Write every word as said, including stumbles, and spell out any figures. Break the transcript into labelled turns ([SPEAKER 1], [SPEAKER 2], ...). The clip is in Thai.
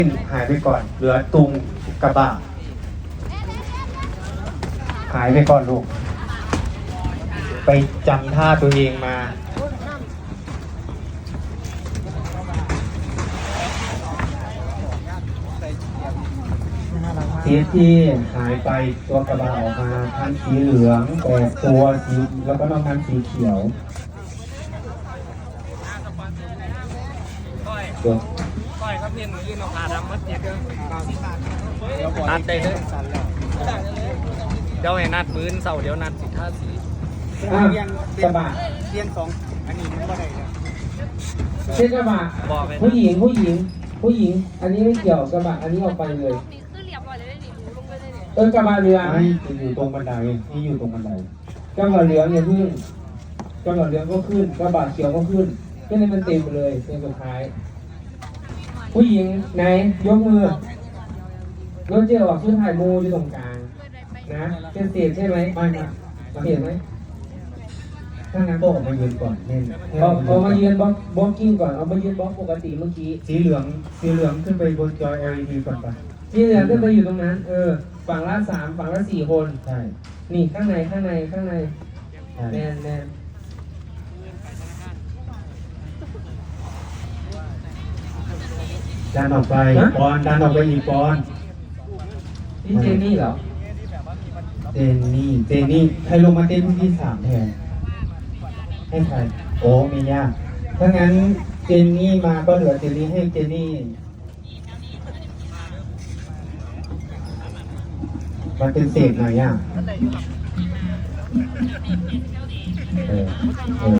[SPEAKER 1] หายไปก่อนเหลือตุงกระบะหายไปก่อนลูกไปจำท่าตัวเองมาสีที่หายไปตัวกระบะออกมาทั้งสีเหลืองแต่ตัวสีแล้วก็นอกนั้นสีเขียวตัว
[SPEAKER 2] ก้อยครับเพียนมือยืนออกมาดำมัดเจ็บเลยนัดได้เลยเดี๋ยวให้นัดมือเสาเดี๋ยวนัดสิท่าสี
[SPEAKER 1] อ่ะกระบะ
[SPEAKER 3] เรียนสองอันนี้มันก็ได้เลย
[SPEAKER 1] เช่นกระบะผู้หญิงผู้หญิงผู้หญิงอันนี้ไม่เกี่ยวกระบะอันนี้ออกไปเลยเออกระบะเรือไม่อยู่ตรงบันไดนี่อยู่ตรงบันไดกระบะเหลืองเนี่ยขึ้นกระบะเหลืองก็ขึ้นกระบะเขียวก็ขึ้นขึ้นให้มันเต็มไปเลยเป็นสุดท้ายผู้หญิงไหนยกมือรถเจอออกชุดถ่ายมูอยู่ตรงกลางนะเป็นเศษใช่ไหมไม่นะเห็นไหมถ้างั้นก็ออกมายืนก่อนเล่นเอาเอามายืนบล็อกบล็อกกิ้งก่อนเอามายืนบล็อกปกติเมื่อกี้สีเหลืองสีเหลืองขึ้นไปบนจอ แอล อี ดี ก่อนปะสีเหลืองขึ้นไปอยู่ตรงนั้นเออฝั่งละสามฝั่งละสี่คนใช่นี่ข้างในข้างในข้างในแนนแนนดันออกไปปอนดันออกไปอีกปอนนี่เจนนี่เหรอเจนนี่เจนนี่ใครลงมาเต้นที่สามแทนให้ใครโอ้ไม่ยากถ้างั้นเจนนี่มาก็เหลือเจนนี่ให้เจนนี่มันเป็นเศษหน่อยอ่ะเออ